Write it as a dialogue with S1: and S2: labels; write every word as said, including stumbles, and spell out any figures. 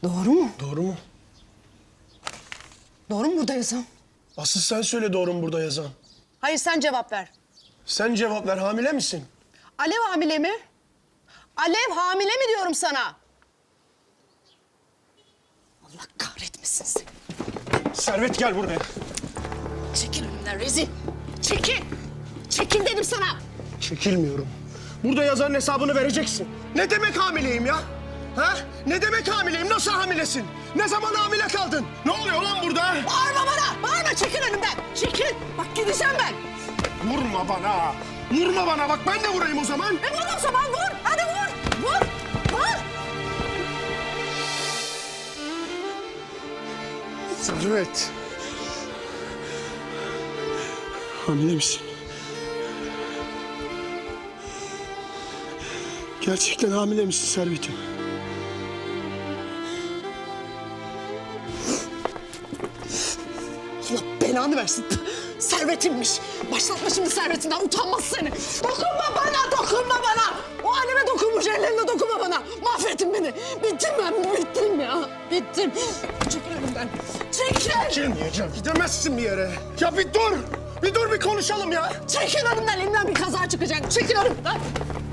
S1: Doğru mu?
S2: Doğru mu?
S1: Doğru mu burada yazan?
S2: Asıl sen söyle doğru mu burada yazan?
S1: Hayır sen cevap ver.
S2: Sen cevap ver, hamile misin?
S1: Alev hamile mi? Alev hamile mi diyorum sana? Allah kahretmesin seni.
S2: Servet gel buraya.
S1: Çekil önümden rezil. Çekil. Çekil dedim sana.
S2: Çekilmiyorum. Burada yazanın hesabını vereceksin. Ne demek hamileyim ya? Ha? Ne demek hamileyim? Nasıl hamilesin? Ne zaman hamile kaldın? Ne oluyor lan burada?
S1: Bağırma bana. Bağırma çekil önümden. Çekil. Bak gideceğim ben.
S2: Vurma bana. Vurma bana. Bak ben de vurayım o zaman.
S1: E vur o zaman vur. Hadi vur. Vur. Vur.
S2: Servet. Hamile misin? Gerçekten hamile misin Servet'im?
S1: Allah belanı versin. Servetimmiş. Başlatma şimdi servetinden. Utanmaz seni. Dokunma bana, dokunma bana. O anneme dokunmuş, ellerine dokunma bana. Mahvettin beni. Bittim ben, bittim ya. Bittim. Çekil önümden. Çekil.
S2: Gelmeyeceğim. Gidemezsin bir yere. Ya bir dur. Bir dur bir konuşalım ya.
S1: Çekil önümden. Elimden bir kaza çıkacak. Çekil önümden.